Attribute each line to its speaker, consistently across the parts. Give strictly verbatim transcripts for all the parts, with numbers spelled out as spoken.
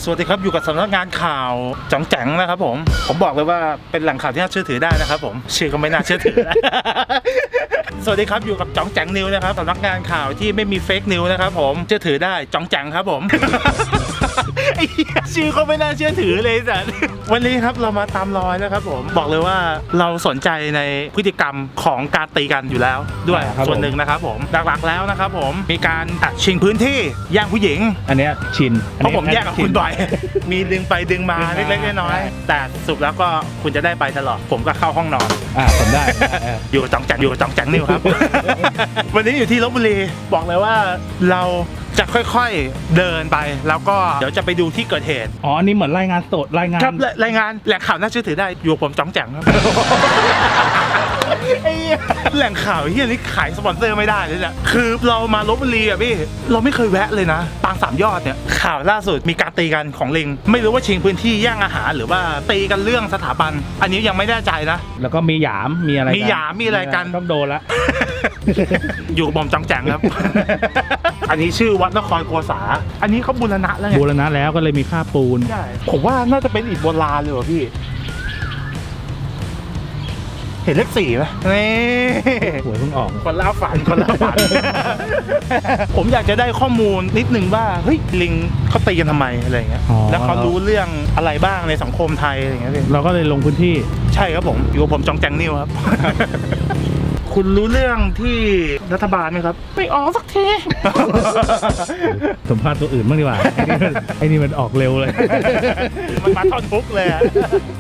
Speaker 1: สวัสดีครับอยู่กับสำนักงานข่าวจ๋องแจ๋งนะครับผมผมบอกเลยว่าเป็นแหล่งข่าวที่น่าเชื่อถือได้นะครับผมชื่อก็ไม่น่าเชื่อถือ สวัสดีครับอยู่กับจ๋องแจ๋งนิวนะครับสำนักงานข่าวที่ไม่มีเฟกนิวนะครับผมเชื่อถือได้จ๋องแจ๋งครับผม ไอ้ชื่อก็ไม่น่าเชื่อถือเลยสัสวันนี้ครับเรามาตามรอยนะครับผมบอกเลยว่าเราสนใจในพฤติกรรมของการตีกันอยู่แล้วด้วยส่วนหนึ่งนะครับผมหลักๆแล้วนะครับผมมีการอัดชิงพื้นที่แย่งผู้หญิง
Speaker 2: อันเนี้ยชิน
Speaker 1: เพราะผมแยกกับคุณบ่อย มีดึงไปดึงมาเล็กๆน้อยๆแต่สุดแล้วก็คุณจะได้ไปตลอดผมก็เข้าห้องนอน
Speaker 2: อ่าผมได้
Speaker 1: อยู่กับจ๋องแจ๋งอยู่กับจ๋องแจ๋งนิวครับ วันนี้อยู่ที่ลพบุรีบอกเลยว่าเราจะค่อยๆเดินไปแล้วก็เดี๋ยวจะไปดูที่เกิดเหตุ
Speaker 2: อ๋อนี่เหมือนรายงานสดรายงาน
Speaker 1: ครับรายงานแหล่งข่าวน่าเชื่อถือได้อยู่ผมจ๋องแจ๋งครับ แหล่งข่าวที่อันนี้ขายสปอนเซอร์ไม่ได้เลยแหละคือเรามาลพบุรีอ่ะพี่เราไม่เคยแวะเลยนะปางสามยอดเนี่ยข่าวล่าสุดมีการตีกันของลิงไม่รู้ว่าชิงพื้นที่แย่งอาหารหรือว่าตีกันเรื่องสถาบันอันนี้ยังไม่แน่ใจนะ
Speaker 2: แล้วก็มีหยามมีอะไร
Speaker 1: มีหยามมีอะไรกัน
Speaker 2: ต้องโดนละ
Speaker 1: อยู่กับผมจ๋องแจ๋งครับ อันนี้ชื่อวัดนครโกษาอันนี้เขาบูรณะแล้วไง
Speaker 2: บูรณะแล้วก็เลยมีค่าปูน
Speaker 1: ใช่ผมว่าน่าจะเป็นอิฐโบราณเลยว่ะพี่เห็นเลขสี่ไหมนี่
Speaker 2: หวยเพิ่งออก
Speaker 1: คนล่าฝันคนล่าฝัน ผมอยากจะได้ข้อมูลนิดนึงว่าเฮ้ยลิงเขาตีกันทำไมอะไรเงี้ยแล้วเขารู้เรื่องอะไรบ้างในสังคมไทยอะไรเงี้ยพี่
Speaker 2: เราก็เลยลงพื้นที่
Speaker 1: ใช่ครับผมอยู่กับผมจ๋องแจ๋งนิวครับ คุณรู้เรื่องที่รัฐบาลไหมครับไม่ออกสักที
Speaker 2: สัมภาษณ์ตัวอื่นบ้างดีกว่า ไอ้นี่มันออกเร็วเลย
Speaker 1: มันมาท่อนทุกเลยอะ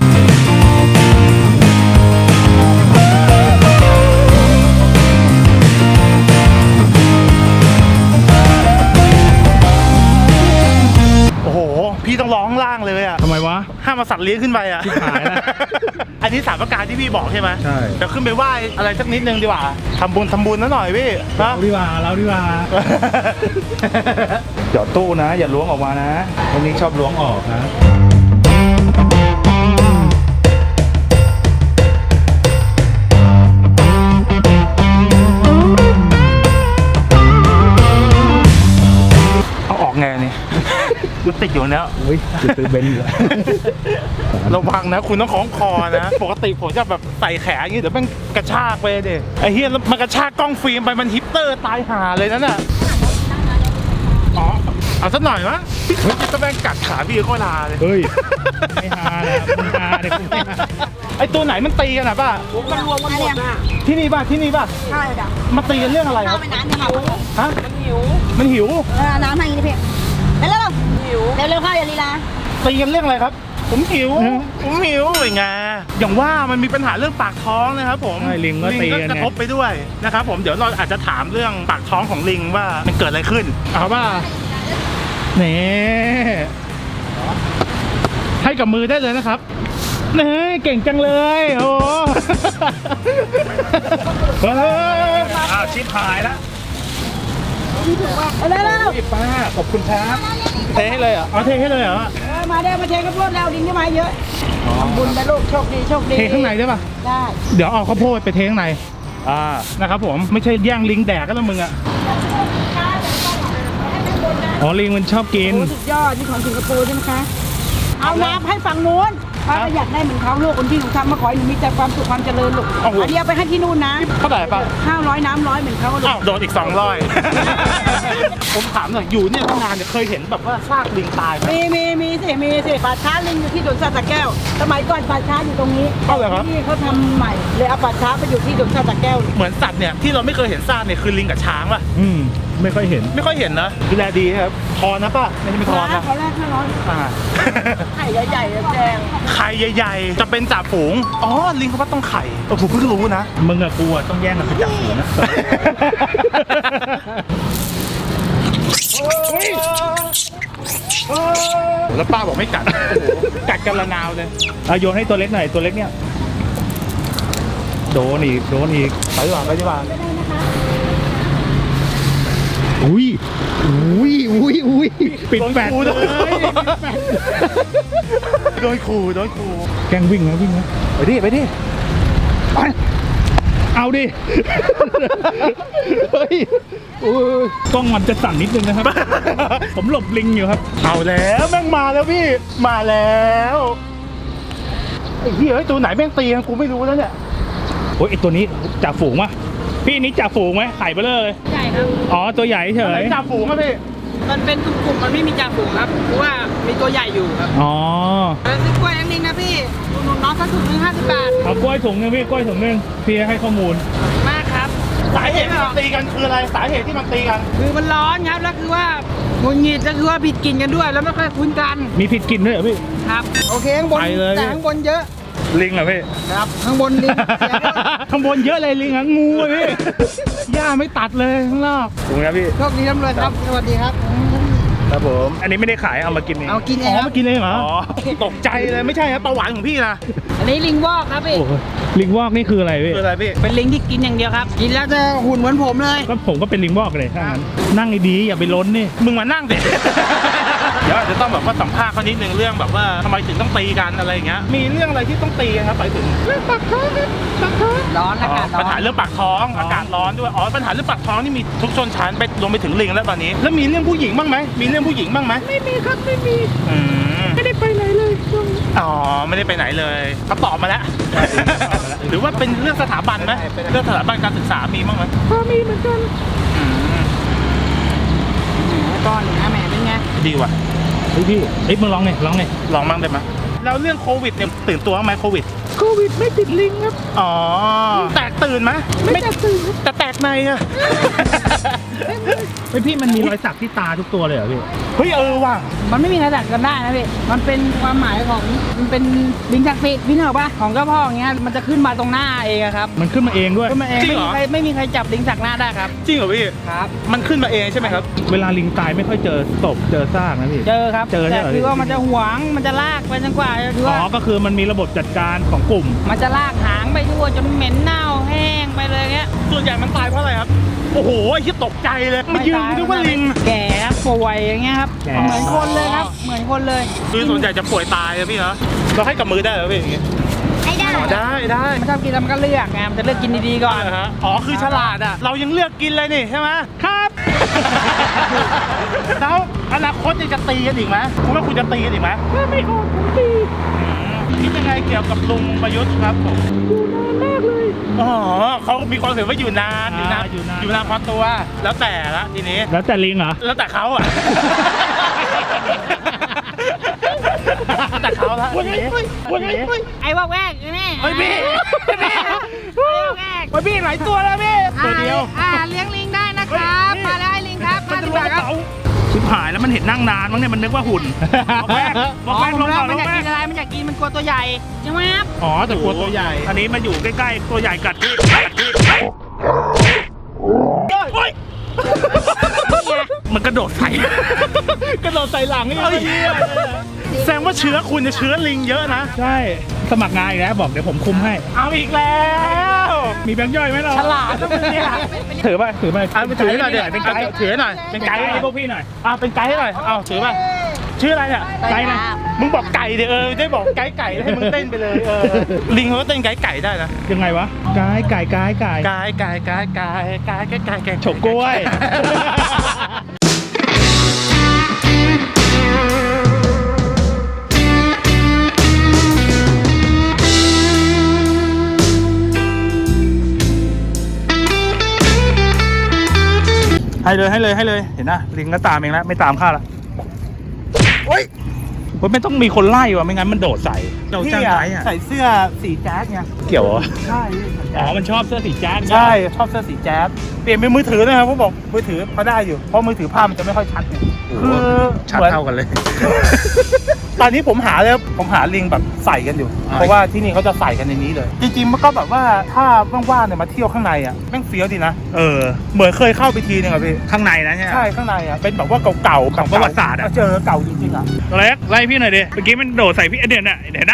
Speaker 1: พี่ต้องร้องล่างเลยอะ
Speaker 2: ทำไมวะ
Speaker 1: ห้ามมาสัตว์เลี้ยงขึ้นไปอะ
Speaker 2: ชิบหายแล้ว
Speaker 1: อันนี้สามประการที่พี่บอกใช่ไหม
Speaker 2: ใช่
Speaker 1: เดี๋ยวขึ้นไปไหว้อะไรสักนิดนึงดีกว่าทำบุญทำบุญนะหน่อยพี่
Speaker 2: เราดีกว่าเราดีกว่าหยอดตู้นะอย่าล้วงออกมานะวันนี้ชอบล้วงออกนะ
Speaker 1: เอาออกไงนี่มันติดอยู่เนี้ย
Speaker 2: อุ้ยจะซื้อเบนซ์อยู่
Speaker 1: ระวังนะคุณต้องคล้องคอนะปกติผมจะแบบใส่แขนอย่างนี้เดี๋ยวมันกระชากไปดิไอ้เฮียมันกระชากกล้องฟิล์มไปมันฮิปเตอร์ตายห่าเลยนั่นน่ะอ๋อเอาสักหน่อยวะพี่จะแม่งกัดขาพี่ก็ลาเลย
Speaker 2: เฮ้ยไม่ฮาเลยไม่ฮาเลย
Speaker 1: ไอ้ตัวไหนมันตีกันอ่ะป้า
Speaker 3: มันรวมกันหมดน่ะ
Speaker 1: ที่นี่ป่ะที่นี่ป่ะ
Speaker 3: ใช่จ้ะ
Speaker 1: มาตีกันเรื่องอะไรครับ
Speaker 3: น้ำหิว
Speaker 1: ฮะ
Speaker 3: มันหิว
Speaker 1: มันหิว
Speaker 3: เออน้ำให้นี่พี่เร็วๆหิวเร็วๆข้าวอย่าลีลา
Speaker 1: ตีกันเรื่องอะไรครับผมหิวผมหิวเลยไงอย่างว่ามันมีปัญหาเรื่องปากท้องนะครับผม
Speaker 2: ลิงก็ตี
Speaker 1: กระทบไปด้วยนะครับผมเดี๋ยวเราอาจจะถามเรื่องปากท้องของลิงว่ามันเกิดอะไรขึ้นเอาว่านี่ให้กับมือได้เลยนะครับนี่เก่งจังเลยโอ้เฮ้ยอ้าวชิบหายแล้ว
Speaker 3: เร็วเร็ว
Speaker 1: ป้าขอบคุณครับเทให้เลยเหรอเอาเทให้เลยเหรอ
Speaker 3: มาได้มาเทข้าวโพดแล้วดินที่มาเยอะทำบุญไปลูกโชคดีโชคดี
Speaker 1: เทข้างในได้ป่ะ
Speaker 3: ได้
Speaker 1: เดี๋ยวเอาข้าวโพดไปเทข้างในอ่านะครับผมไม่ใช่แย่งลิงแดกก็แล้วมึงอ่ะอ๋อลิงมันชอบกิน
Speaker 3: สุดยอดนี่ของสิงคโปร์ใช่ไหมคะเอาน้ำให้ฝั่งนู้นป้าก็อยากได้เหมือนเขาลูกคนที่หนูทำมาขอให้หนูมีแต่ความสุขความเจริญลูกอันเดียวไปให้ที่นู่นนะ
Speaker 1: เท่าไหร่ป่ะ
Speaker 3: ห้าร้อยน้ำร้อยเหมือนเขาลูก
Speaker 1: อ้าวโดนอีกสองร้อยผมถามหน่อยอยู่เนี่ยตั้งนานเนี่ยเคยเห็นแบบว่าซากลิงตายไหม
Speaker 3: มีมีมีสิมีสิป่าช้าลิงอยู่ที่สวนสัตว์สระแก้วสมัยก่อนป่าช้าอยู่ตรงนี้
Speaker 1: เอาเลยครับ
Speaker 3: ที่เขาทำใหม่เลยเอาป่าช้าไปอยู่ที่สวนสัตว์สระแก้ว
Speaker 1: เหมือนสัตว์เนี่ยที่เราไม่เคยเห็นซากเนี่ยคือลิงกับช้างป่ะ
Speaker 2: อืมไม่ค่อยเห็น
Speaker 1: ไม่ค่อยเห็นนะดูแลดีครับทอนนะป่ะไม่ใช่ไม่ทอนนะ
Speaker 3: เขาแรกห้าร้อยไข่ใหญ่ๆแดง
Speaker 1: ไข่ใหญ่ๆจะเป็นจ่าฝูงอ๋อลิงเขาว่าต้องไข่เออผมเพิ่งรู้นะ
Speaker 2: มึงกับกูต้องแย่งกันเป็นจ่าฝูงนะ
Speaker 1: แล้วป้าบอกไม่กัดกัดกันละนาวเลย
Speaker 2: เอาโยนให้ตัวเล็กหน่อยตัวเล็กเนี่ยโดนอีกโดนอีก
Speaker 1: ไปดีกว่าไปดีกว่า
Speaker 2: อุ้ยอุ้ยอุ้ยอุ้ยปิดแปด
Speaker 1: เลยโดนขู่โดนขู่
Speaker 2: แกงวิ่งนะวิ่งนะ
Speaker 1: ไปดิไปดิไป
Speaker 2: เอาดิ เฮ้ยโอ้ยกล้องมันจะสั่นนิดนึงนะครับ ผมหลบลิงอยู่ครับ
Speaker 1: เอาแล้วแม่งมาแล้วพี่มาแล้วไอ้เหี้ยเอ้ยตัวไหนแม่งตีกันกูไม่รู้แล้วเนี่ย
Speaker 2: โอ้ยไอตัวนี้จ่าฝูงวะพี่นี้จ่าฝูงไหมไข่เบลอเลย
Speaker 3: ใช่ครับ
Speaker 2: อ๋อตัวใหญ่เฉ
Speaker 1: ไหน
Speaker 2: ย
Speaker 1: จ่าฝูงอะพี่
Speaker 3: มันเป็นกลุ่มๆมันไม่มีจ่าฝูงครับเพราะว่ามีตัวใหญ่อยู่ครับ
Speaker 2: อ๋อ
Speaker 3: แล้วซื้อกล้วยน้ำลิงนะพี่อุดหนุนน้องสักถุงหนึงห้าสิบบาท
Speaker 2: เอากล้วยถุงนึงพี่กล้วยถุงนึงพี่ให้ข้อมูล
Speaker 3: มากครับ
Speaker 1: สาเหตุที่มันตีกันคืออะไรสาเหตุที่มันตีกัน
Speaker 3: คือมันร้อนครับแล้วคือว่าหงุดหงิดก็คือว่าผิดกินกันด้วย แล้วไม่ค่อยคุ้นกัน
Speaker 2: มีผิดกินด้วยเหรอพี่
Speaker 3: ครับโอเคข้างบน
Speaker 2: ไปเลย
Speaker 3: แต่ข้างบนเยอะ
Speaker 2: ลิงเหรอพี่
Speaker 3: ครับข้างบนลิงเสียด้วย
Speaker 2: ข้างบนเยอะเลยลิงอ่ะงูอะพี่ หญ้าไม่ตัดเลยข้างนอกถูกนะพี่
Speaker 3: โชคดีร่ำรวยครับสวัสดีครับ
Speaker 2: ครับผมอันนี้ไม่ได้ขายเอามากินเอง
Speaker 3: เอากินเอ
Speaker 2: อ๋
Speaker 3: ง
Speaker 2: อ
Speaker 3: ครับ
Speaker 2: มากินเองเหรอ
Speaker 1: อ๋อตกใจเลยไม่ใช่ครับประวัติของพี่นะ
Speaker 3: อันนี้ลิงวอกครับพี่
Speaker 2: โอ้โหลิงวอกนี่คืออะไรพี่
Speaker 1: คืออะไรพี่
Speaker 3: เป็นลิงที่กินอย่างเดียวครับ กินแล้วจะหุ่นเหมือนผมเลย
Speaker 2: ก็ผมก็เป็นลิงวอกเลยถ้างั้นนั่งดีๆอย่าไปล้นนี่
Speaker 1: มึงมานั่งเด็เดี๋ยวอาจจะต้องแบบว่าสัมภาษณ์เขานิดนึงเรื่องแบบว่าทำไมถึงต้องตีกันอะไรอย่างเงี้ยมีเรื่องอะไรที่ต้องตีกันครับไปถึงเรื่องปากท้องปากท้อง
Speaker 3: ร้อนอากาศร้อน
Speaker 1: ปัญหาเรื่องปากท้องอากาศร้อนด้วยอ๋อปัญหาเรื่องปากท้องนี่มีทุกชนชั้นไปรวมไปถึงลิงแล้วตอนนี้แล้วมีเรื่องผู้หญิงบ้างไหมมีเรื่องผู้หญิงบ้างไหม
Speaker 3: ไม่มีครับไม่มี
Speaker 1: อืม
Speaker 3: ไม่ได้ไปไหนเลยช่วงนี้
Speaker 1: อ๋อไม่ได้ไปไหนเลยเขาตอบมาแล้ว หรือว่าเป็นเรื่องสถาบันไหมเรื่องสถาบันการศึกษามีบ้างไหม
Speaker 3: พอมีเหมือนกัน
Speaker 1: อืม
Speaker 3: ก้อนหนึ่งนะแหม่เป็นไง
Speaker 1: ดีว่ะ
Speaker 2: เฮ้ยพี่เอ้ยมึงลองหน่อยลองหน่อย
Speaker 1: ลองบ้างได้ไหมแล้วเรื่องโควิดเนี่ยตื่นตัวบ้างไหมโควิด
Speaker 3: โควิดไม่ติดลิงครับ
Speaker 1: อ๋อแตกตื่นไหม
Speaker 3: ไม่แตกตื่นครับ
Speaker 1: แต่แตกในอะ
Speaker 2: เฮ้ยพี่มันมีรอยสักที่ตาทุกตัวเลยเหรอพี่
Speaker 1: เฮ้ยเออว่ะ
Speaker 3: มันไม่มีใครดักกันได้นะพี่มันเป็นความหมายของมันเป็นลิงศักดิ์สิทธิ์พี่เหนกปะของเจ้าพ่ออย่างเงี้ยมันจะขึ้นมาตรงหน้าเองอะครับ
Speaker 2: มันขึ้นมาเองด้วย
Speaker 3: ขึ้นมาเองไม่มีใครไม่มีใครจับลิงสักหน้าได้ครับ
Speaker 1: จริงเหรอพี่
Speaker 3: ครับ
Speaker 1: มันขึ้นมาเองใช่ไหมครับ
Speaker 2: เวลาลิงตายไม่ค่อยเจอศพเจอซากนะพี่
Speaker 3: เจอครับ
Speaker 2: เจอใช่
Speaker 3: แต่
Speaker 2: เหรอ
Speaker 3: คือว่ามันจะหวงมันจะลากไปจนกว่าคือ
Speaker 2: อ๋
Speaker 3: ว่า
Speaker 2: อก็คือมันมีระบบจัดการของกลุ่ม
Speaker 3: มันจะลากหางไปทั่วจนเหม็นเน่าแห้งไปเลยเงี้ย
Speaker 1: ส่วนใหญ่มันตายเพราะอะไรครับโอ้โหไอ้ที่ตกใจเลยมายืนนึกว่าลิง
Speaker 3: แก่ครับป่วยอย่างเงี้ยครับ
Speaker 2: แก่
Speaker 3: เหมือนคนเลยครับ เหมือนคนเลย
Speaker 1: คือส่วนใหญ่จะป่วยตายอะพี่เหรอเราให้กับมือได้เหรอพี่อย่างงี้
Speaker 3: ไม่ได้
Speaker 1: อ๋อได้ได้
Speaker 3: มันชอบกินแล้วมันก็เลือกไงมันจะเลือกกินดีๆก่อน
Speaker 1: เหรอฮะอ๋อคือฉลาดอะเรายังเลือกกินเลยนี่ใช่ไหมครับ แล้วอนาคตยังจะตีกันอีกไหมคุณว่าคุณจะตีกันอีกไหม
Speaker 3: ถ้าไม่ออกผมตี
Speaker 1: คิดยังไงเกี่ยวกับลุงประยุทธ์ครับผม
Speaker 3: อยู่นานมากเลย
Speaker 1: อ๋อเขามีความเห็นว่าอยู่นานอยู่นาน
Speaker 2: อ่าอยู่นาน
Speaker 1: อยู่นานพอตัว แล้วแต่ละทีนี้
Speaker 2: แล้วแต่ลิงเหรอ
Speaker 1: แล้วแต่เขาอ่ะ แต่เขาละทีนี้ทีนี้
Speaker 3: ไอ้ว่าแวกนี่
Speaker 1: เฮ้ยพี่พี่
Speaker 3: ไอ้ว่าแวก
Speaker 1: เฮ้ยพี่หลายตัวแล้วพี่ตัวเดียว
Speaker 3: อ่าเลี้ยงลิงได้นะครับ มาแล้วให้ลิงครับ
Speaker 1: มัน
Speaker 3: มา
Speaker 1: จะ
Speaker 3: ดี
Speaker 1: ล
Speaker 3: ก
Speaker 1: ง
Speaker 3: ว่าก
Speaker 1: ระ
Speaker 3: ครับ
Speaker 1: เป๋า
Speaker 2: ชิบหายแล้วมันเห็นนั่งนานมั้งเนี่ยมันนึกว่าหุ่นบอกแวกบ
Speaker 3: อ๋
Speaker 2: อ
Speaker 3: อก
Speaker 2: แวก
Speaker 3: ผ
Speaker 2: ล
Speaker 3: ม
Speaker 2: ง
Speaker 3: แล้ว
Speaker 2: ก่อนล
Speaker 3: มัน
Speaker 2: ง
Speaker 3: อยาก
Speaker 2: แว
Speaker 3: กิ
Speaker 2: ก
Speaker 3: นอะไรมันอยากกินมันกลัวตัวใหญ่ใช่ไหมครับ
Speaker 2: อ๋อแต่กลัวตัวใหญ่ อันนี้มาอยู่ใกล้ๆตัวใหญ่กัดพี่กัดพี่
Speaker 1: โอ๊ย
Speaker 2: มันกระโดดใส่ กระโดดใส่หลังนี่
Speaker 1: เฮ้ยแสดงว่าเชื้อคุณจะเชื้อลิงเยอะนะ
Speaker 2: ใช่สมัครงานอีกแล้วบอกเดี๋ยวผมคุมให้
Speaker 1: เอาอีกแล้ว
Speaker 2: มีแบงค์ย่อยไหมเรา
Speaker 1: ฉลาดนะมึงเนี่ย
Speaker 2: ถือไปถือไป
Speaker 1: เอาไปถือหน่อยเดี๋ยว
Speaker 2: เป็นไกด์
Speaker 1: ถือหน่อยเป็นไกด์
Speaker 2: ให้พวกพี่หน่อย
Speaker 1: อ่าเป็นไกด์ให้หน่อยเอาถือไปชื่ออะไรเนี่ย
Speaker 2: ไกด์นะ
Speaker 1: มึงบอกไก่เดี๋ยวเออได้บอกไก่ไก่ให้มึงเต้นไปเลยเออลิงเขาก็เต้นไก่ไก่ได้นะ
Speaker 2: ยังไงวะกายไก่กายไก่
Speaker 1: ไก่ไก่ไก่ไก่ไก่ไก่ไก่ไก่
Speaker 2: ฉกกล้วย ให้เลยให้เลยให้เลยเห็นนะลิงก็ตามเองแล้วไม่ตามข้าละโอ๊ยมันไม่ต้องมีคนไล่ว่ะไม่งั้นมันโดดใส่เราจ้างไกด์อ่ะ
Speaker 1: ใส่เสื้อสีแจ๊สไง
Speaker 2: เกี่ยวเหรอ
Speaker 1: ใช่
Speaker 2: อ๋อมันชอบเสื้อสีแจ๊ด
Speaker 1: ใช่ชอบเสื้อสีแจ๊สเปลี่ยนเป็นมือถือนะครับเขาบอกมือถือพอได้อยู่เพราะมือถือภาพมันจะไม่ค่อยชัดไงคือ
Speaker 2: ชัด
Speaker 1: เหมือน
Speaker 2: เท่ากันเลย
Speaker 1: ตอนนี้ผมหาแล้วผมหาลิงแบบใส่กันอยู่
Speaker 2: อ่า
Speaker 1: เพราะว่าที่นี่เขาจะใส่กันในนี้เลย จริงๆมันก็แบบว่าถ้าว่างๆเนี่ยมาเที่ยวข้างในอ่ะแม่งเฟี้ยวดีนะ
Speaker 2: เออ
Speaker 1: เหมือนเคยเข้าไปทีนึงอ่ะพี่
Speaker 2: ข้างในนะใช่ไหม
Speaker 1: ใช่ข้างในอ่ะเป็นแบบว่าเก่าๆ
Speaker 2: ของประวัติศาสตร์อะ
Speaker 1: เจอเก่าจริงๆอ่ะ
Speaker 2: ตัวเล็กไล่พี่หน่อยดิเมื่อกี้มันโดดใส่พี่เด่นน่ะเห็นนะ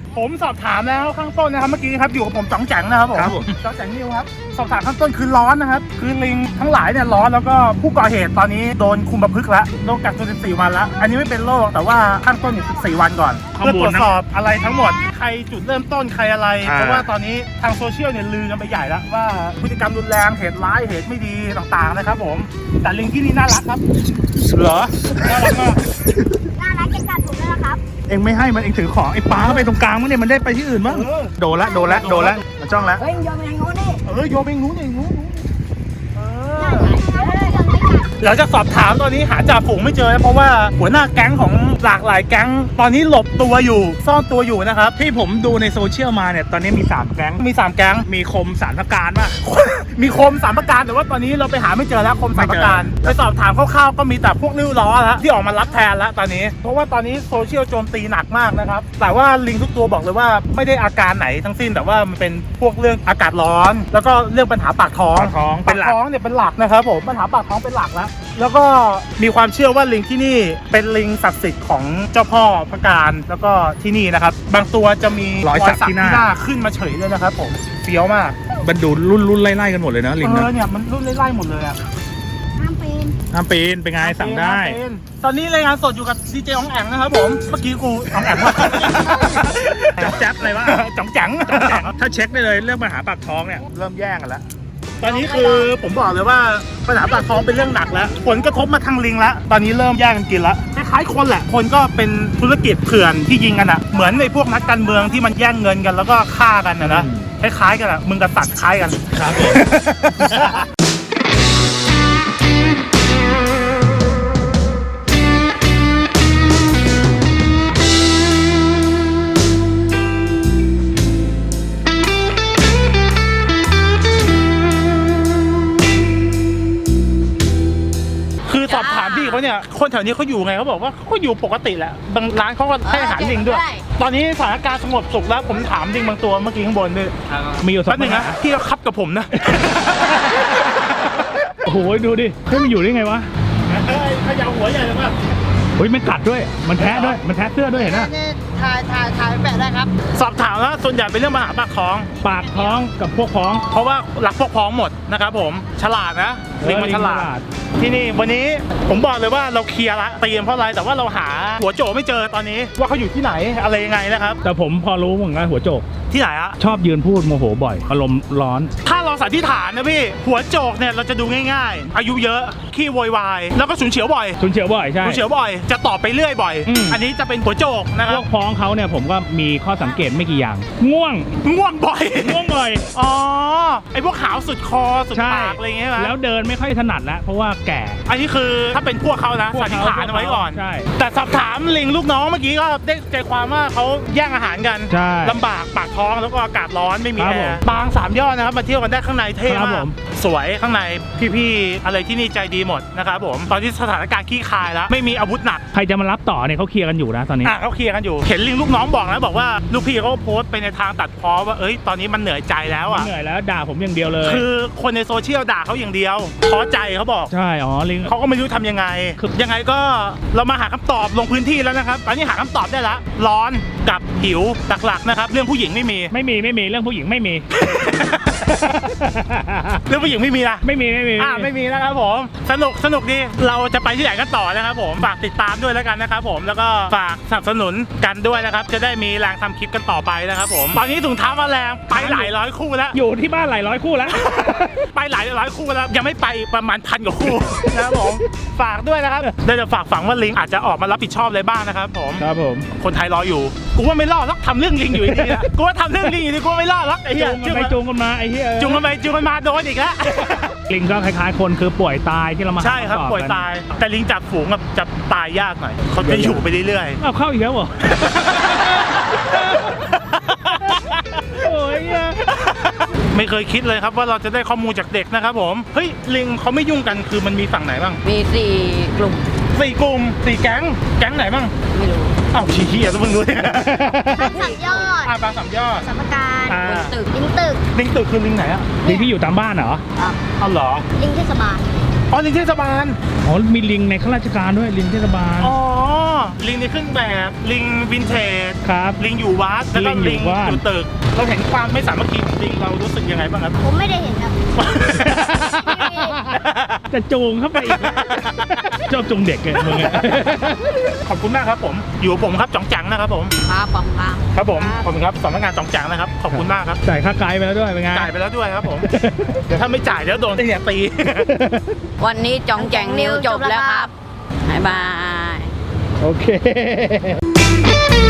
Speaker 1: ผมสอบถามแล้วข้างต้นนะครับเมื่อกี้ครับอยู่กับผมจ๋องแจ๋งนะครับผม
Speaker 2: ครับผม
Speaker 1: จ๋องแจ๋งนิวครับสอบถามข้างต้นคือร้อนนะครับคือลิงทั้งหลายเนี่ยร้อนแล้วก็ผู้ก่อเหตุตอนนี้โดนคุมประพฤกษ์แล้วโดนกักตัวสิบสี่วันแล้วอันนี้ไม่เป็นโรคแต่ว่าข้างต้นอยู่สิบสี่วันก่อนเพื่อตรวจสอบอะไรทั้งหมดใครจุดเริ่มต้นใครอะไรเพราะว่าตอนนี้ทางโซเชียลเนี่ยลือกันไปใหญ่แล้วว่าพฤติกรรมรุนแรงเหตุร้ายเหตุไม่ดีต่างๆนะครับผมแต่ลิงที่นี่น่ารักครับเหรอน่ารักมาก
Speaker 4: น่ารักเก็บกัดผมด้วยนะครับ
Speaker 2: เองไม่ให้มันเองถือของไอ้ปลาเข้าไปตรงกลางมั้งเนี่ยมันได้ไปที่อื่นมั้ง
Speaker 1: เออ
Speaker 2: โดนละโดนละโดนละมันจ้องละ
Speaker 4: เฮ้ยโยนไปทางโน้นดิ
Speaker 1: เออโยนไปงูนี่งูเอ
Speaker 4: ได้
Speaker 1: อ
Speaker 4: ไหมเออโยนไปกัด
Speaker 1: หลังจากสอบถามตอนนี้หาจ่าฝูงไม่เจอนะเพราะว่าหัวหน้าแก๊งของหลากหลายแก๊งตอนนี้หลบตัวอยู่ซ่อนตัวอยู่นะครับ
Speaker 2: ที่ผมดูในโซเชียลมาเนี่ยตอนนี้มีสามแก๊ง
Speaker 1: มีสามแก๊ง
Speaker 2: มีคมสารพการป่ะ
Speaker 1: มีคมสามประการแต่ว่าตอนนี้เราไปหาไม่เจอแล้วคมสามประการ
Speaker 2: ไม่เจอ
Speaker 1: ไปสอบถามคร่าวๆก็มีแต่พวกริ้วล้อแล้วที่ออกมารับแทนแล้วตอนนี้ เพราะว่าตอนนี้โซเชียลโจมตีหนักมากนะครับแต่ว่าลิงทุกตัวบอกเลยว่าไม่ได้อาการไหนทั้งสิ้นแต่ว่ามันเป็นพวกเรื่องอากาศร้อน แล้วก็เรื่องปัญหาปากท้อง
Speaker 2: ปากท้องเป็นหลัก
Speaker 1: ปากท้องเนี่ยเป็นหลักนะครับผมปัญหาปากท้องเป็นหลักแล้วแล้วก็มีความเชื่อว่าลิงที่นี่เป็นลิงศักดิ์สิทธิ์ของเจ้าพ่อพระการแล้วก็ที่นี่นะครับบางตัวจะมี
Speaker 2: รอยสักที่หน้า
Speaker 1: ขึ้นมาเฉยเลยนะครับผมเฟี้ยวมาก
Speaker 2: มันดูรุ่นรุ่นไล่ๆกันหมดเลยนะลิง
Speaker 1: เอ
Speaker 2: นะ
Speaker 1: อเนี่ยมันรุ่นไล่ๆหมดเลยอ่ะ
Speaker 4: ห้ามปีน
Speaker 2: ห้ามปีนเป็นไงสั่งได้
Speaker 1: ตอนนี้รายงานสดอยู่กับดีเจอ๋องแองนะครับผมเมื่อกี้กูอ๋องแองว่า
Speaker 2: จ๊อบแจ๊บอะไรวะ
Speaker 1: จ๋องจัง
Speaker 2: จ๊อบแจ๊บถ้าเช็คได้เลยเรื่องปัญหาปากท้องเนี่ยเริ่มแย่งกันแล้ว
Speaker 1: ตอนนี้คือผมบอกเลยว่าปัญหาปากท้องเป็นเรื่องหนักแล้วผลกระทบมาทางลิงแล้วตอนนี้เริ่มแย่งกันกินแล้วคล้ายๆคนแหละคนก็เป็นธุรกิจเถื่อนที่ยิงกันอ่ะเหมือนในพวกนักการเมืองที่มันแย่งเงินกันแล้วก็ฆ่ากันนะนะคล้ายๆกันอ่ะมึงกับสัตว์คล้ายกัน
Speaker 2: ครับผม
Speaker 1: คือสอบถามพี่เขาเนี่ยคนแถวนี้เขาอยู่ไงเขาบอกว่าเขาอยู่ปกติแหละบางร้านเขาก็ให้อาหารลิงด้วย ตอนนี้สถานการณ์สงบสุขแล้วผมถามลิงบางตัวเมื่อกี้ข้างบนด้วย
Speaker 2: มีอยู่สอ
Speaker 1: แป๊บ
Speaker 2: ง
Speaker 1: นึงนะพี่เขาคับกับผมนะ
Speaker 2: โอ้โหดูดิเฮ้ยมันอยู่ได้ไงวะ
Speaker 1: ขยาวหัวใหญ่เลยป่ะ
Speaker 2: เฮ้ยมันกัดด้วยมันแทะด้วยมันแทะเสื้อด้วยเห็นไหม
Speaker 4: ถ่ายถ่ายถ่ายแปะได้ครับ
Speaker 1: สอบถามแล้วส่วนใหญ่เป็นเรื่องปัญหาปากท้อง
Speaker 2: ปากท้องกับพวกท้อง
Speaker 1: เพราะว่ารักพวกพ้องหมดนะครับผมฉลาดนะลิงมันฉลาด ที่นี่วันนี้ผมบอกเลยว่าเราเคลียร์ละเตรียมเพราะอะไรแต่ว่าเราหาหัวโจไม่เจอตอนนี้ว่าเขาอยู่ที่ไหนอะไรยังไงนะครับ
Speaker 2: แต่ผมพอรู้เหมือนกันหัวโจก
Speaker 1: ที่ไหนอะ
Speaker 2: ชอบยืนพูดโมโหบ่อยอารมณ์ร้อน
Speaker 1: ถ้าเราสันนิษฐานนะพี่หัวโจกเนี่ยเราจะดูง่ายๆ อายุเยอะขี้โวยวายแล้วก็ฉุนเฉียวบ่อย
Speaker 2: ชุนเฉียวบ่อยใช่
Speaker 1: ฉุนเฉียวบ่อยจะตอบไปเรื่อยบ่อย
Speaker 2: อืม
Speaker 1: อันนี้จะเป็นหัวโจกนะค
Speaker 2: พ
Speaker 1: รั
Speaker 2: ว
Speaker 1: บ
Speaker 2: กพ้องเขาเนี่ยผมก็มีข้อสังเกตไม่กี่อย่าง ง่วง
Speaker 1: ง่วงบ่อย
Speaker 2: ง่วงบ่อย
Speaker 1: อ๋อไอพวกขาวสุดคอสุด
Speaker 2: ใช่
Speaker 1: ปากอะไรอย่างเงี้ยใช่ไหม
Speaker 2: แล้วเดินไม่ค่อยถนัดแล้วเพราะว่าแก่
Speaker 1: อันนี้คือถ้าเป็นพวกเขานะ
Speaker 2: พวก
Speaker 1: สัน
Speaker 2: เขา
Speaker 1: นิษฐานเอาไว้ก่อน
Speaker 2: ใช่
Speaker 1: แต่สอบถามลิงลูกน้องเมื่อกี้ก็ได้ใจความว่าเขาแย่งอาหารกัน
Speaker 2: ใช่
Speaker 1: ลำบากปากท้องแล้วก็อากาศร้อนไม่มี
Speaker 2: ครับ
Speaker 1: แอ
Speaker 2: ผม
Speaker 1: ร์บางสามยอดนะครับมาเที่ยวกันได้ข้างในเท่
Speaker 2: ครับ
Speaker 1: มา
Speaker 2: ผ
Speaker 1: ก
Speaker 2: ม
Speaker 1: สวยข้างในพี่ๆอะไรที่นี่ใจดีหมดนะครับผมตอนนี้สถานการณ์ขี้คายแล้วไม่มีอาวุธหนัก
Speaker 2: ใครจะมารับต่อเนี่ยเขาเคลียร์กันอยู่นะตอนนี้
Speaker 1: อ่ะเขาเคลียร์กันอยู่เห็นลิงลูกน้องบอกนะบอกว่าลูกพี่เขาโพสต์ไปในทางตัดพ้อว่าเอ้ยตอนนี้มันเหนื่อยใจแล้วอ่ะ
Speaker 2: เหนื่อยแล้วด่าผมอย่างเดียวเลย
Speaker 1: คือคนในโซเชียลด่าเขาอย่างเดียวท้อใจเขาบอก
Speaker 2: ใช่อ๋อลิง
Speaker 1: เขาก็ไม่รู้ทำยังไงคือยังไงก็เรามาหาคำตอบลงพื้นที่แล้วนะครับ ตอนนี้หาคำตอบได้แล้ว ร้อนกับหิวหลักๆนะครับ เรื่องผู้หญิงไม่มี
Speaker 2: ไม่มีไม่มีเรื่องผู้หญิงไม่มี
Speaker 1: เรื่องผู้หญิงไม่มีนะ
Speaker 2: ไม่มีไม่มี
Speaker 1: อ่าไม่มีนะครับผม สนุกสนุกดี เราจะไปที่ไหนกันต่อนะครับผม ฝากติดตามด้วยแล้วกันนะครับผม แล้วก็ฝากสนับสนุนกันด้วยนะครับ จะได้มีแรงทำคลิปกันต่อไปนะครับผม ตอนนี้ถุงเท้ามาแรงไปหลายร้อยคู่แล้ว
Speaker 2: อยู่ที่บ้านหลายร้อยคู่แล้ว
Speaker 1: ไปหลายร้อยคู่แล้วยังไม่ไปประมาณพันกว่าคู่ นะครับผมฝากด้วยนะครับเดี๋ยวจะฝากฝังว่าลิงอาจจะออกมารับผิดชอบอะไรบ้างนะครับผม
Speaker 2: ครับผม
Speaker 1: คนไทยรออยู่กูว่าไม่รอดหรอกทำเรื่องลิงอยู่ดีๆนะกูว่าทำเรื่องลิงอยู่ดีกูว่าไม่รอดหรอกไอ้เหี้ย
Speaker 2: จูงกันไปจูงกันมาไอ้เหี้ย
Speaker 1: จุงกันไปจุงกันมาโดนอีกแล้ว
Speaker 2: ลิงก็คล้ายๆคนคือป่วยตายที่เรามาหา
Speaker 1: ใช่ครับ
Speaker 2: ำตอ
Speaker 1: ป่วย
Speaker 2: กัน
Speaker 1: ตาย แต่ลิงจับฝูงกับจะตายยากหน่อยเขาจะอยู่ไปเรื่อย
Speaker 2: เอาเข้าอีกแล้วเหรอ โอ้ย
Speaker 1: ๆไม่เคยคิดเลยครับว่าเราจะได้ข้อมูลจากเด็กนะครับผมเฮ้ยลิงเขาไม่ยุ่งกันคือมันมีฝั่งไหนบ้าง
Speaker 4: มีสี่กลุ่ม
Speaker 1: สี่กลุ่มสี่แก๊งแก๊งไหนบ้าง
Speaker 4: ไม่รู้
Speaker 1: อ้าวชี้เหี้ยแล้วมึงรู้เนี่ย
Speaker 4: สามยอด
Speaker 1: อ่าปลาสามยอด
Speaker 4: สัมปการ
Speaker 1: อ่า
Speaker 4: บนตึกลิงตึก
Speaker 1: ลิงตึกคือลิงไหนอ่ะ
Speaker 2: ลิงที่อยู่ตามบ้านเหรอ
Speaker 4: อ่ะ
Speaker 1: เอาเหรอ
Speaker 4: ลิงเทศบาล
Speaker 1: อ๋อลิงเทศบาล
Speaker 2: อ๋อมีลิงในข้าราชการด้วยลิงเทศบาล
Speaker 1: อ๋อลิงในเครื่องแบบลิงวินเทจ
Speaker 2: ครับ
Speaker 1: ลิงอยู่วัดแล้วก็
Speaker 2: ลิ
Speaker 1: ลิ
Speaker 2: ง
Speaker 1: ง
Speaker 2: อยู่บ้าน
Speaker 1: อยู่ตึกเราเห็นความไม่สามัคคีของลิงเรารู้สึกยังไงบ้างครับ
Speaker 4: ผมไม่ได้เห็นครับ
Speaker 2: จะจูงเข้าไปอีกชอบจูงเด็กเลยมึงอะ
Speaker 1: ขอบคุณมากครับผมอยู่กับผมครับจ่องจังนะครับผม
Speaker 4: ครับผมครับ
Speaker 1: ครับผมขอบคุณครับสำนักงานจ่องจังนะครับขอบคุณมากครับ
Speaker 2: จ่ายค่าไกด์ไปแล้วด้วยเป็นไง
Speaker 1: จ่ายไปแล้วด้วยครับผม เดี๋ยวถ้าไม่จ่ายเดี๋ยวโดนเนี่ยตี
Speaker 5: วันนี้จ่องแจงนิวจบแล้วครับ บ๊ายบาย
Speaker 2: โอเค